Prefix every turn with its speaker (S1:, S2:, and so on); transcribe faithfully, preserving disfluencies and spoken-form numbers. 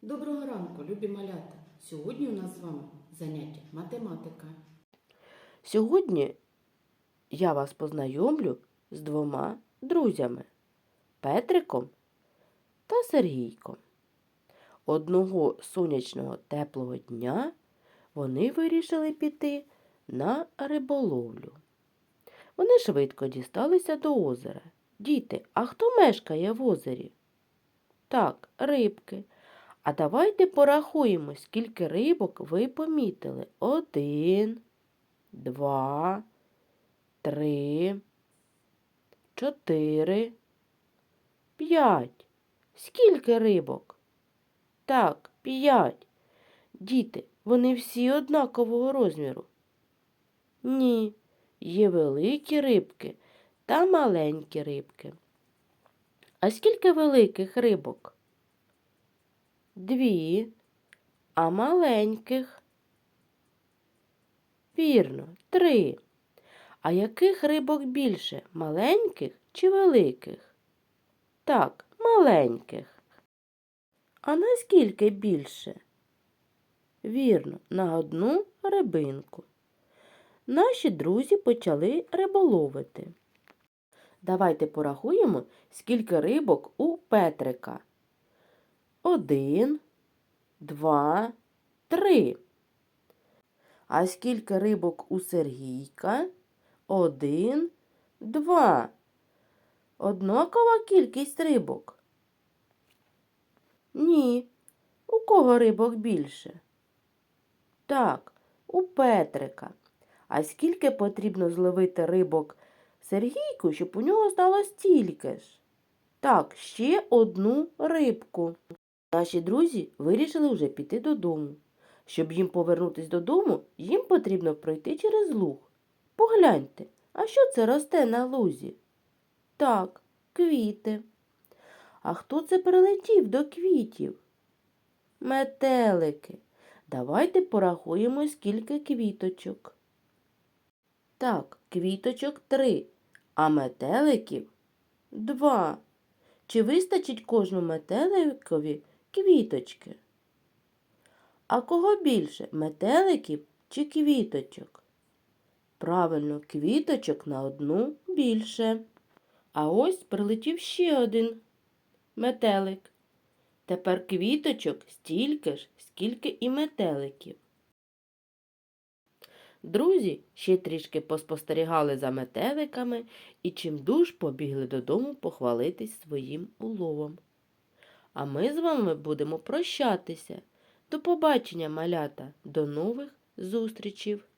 S1: Доброго ранку, любі малята! Сьогодні у нас з вами заняття математика.
S2: Сьогодні я вас познайомлю з двома друзями – Петриком та Сергійком. Одного сонячного теплого дня вони вирішили піти на риболовлю. Вони швидко дісталися до озера. Діти, а хто мешкає в озері? Так, рибки. А давайте порахуємо, скільки рибок ви помітили. Один, два, три, чотири, п'ять. Скільки рибок? Так, п'ять. Діти, вони всі однакового розміру? Ні, є великі рибки та маленькі рибки. А скільки великих рибок? Дві. А маленьких? Вірно, три. А яких рибок більше? Маленьких чи великих? Так, маленьких. А наскільки більше? Вірно, на одну рибинку. Наші друзі почали риболовити. Давайте порахуємо, скільки рибок у Петрика. Один, два, три. А скільки рибок у Сергійка? Один, два. Однакова кількість рибок? Ні. У кого рибок більше? Так, у Петрика. А скільки потрібно зловити рибок Сергійку, щоб у нього стало стільки ж? Так, ще одну рибку. Наші друзі вирішили вже піти додому. Щоб їм повернутися додому, їм потрібно пройти через луг. Погляньте, а що це росте на лузі? Так, квіти. А хто це прилетів до квітів? Метелики. Давайте порахуємо, скільки квіточок. Так, квіточок три, а метеликів два. Чи вистачить кожному метеликові квіточки? А кого більше, метеликів чи квіточок? Правильно, квіточок на одну більше. А ось прилетів ще один метелик. Тепер квіточок стільки ж, скільки і метеликів. Друзі ще трішки поспостерігали за метеликами і чимдуж побігли додому похвалитись своїм уловом. А ми з вами будемо прощатися. До побачення, малята, до нових зустрічей!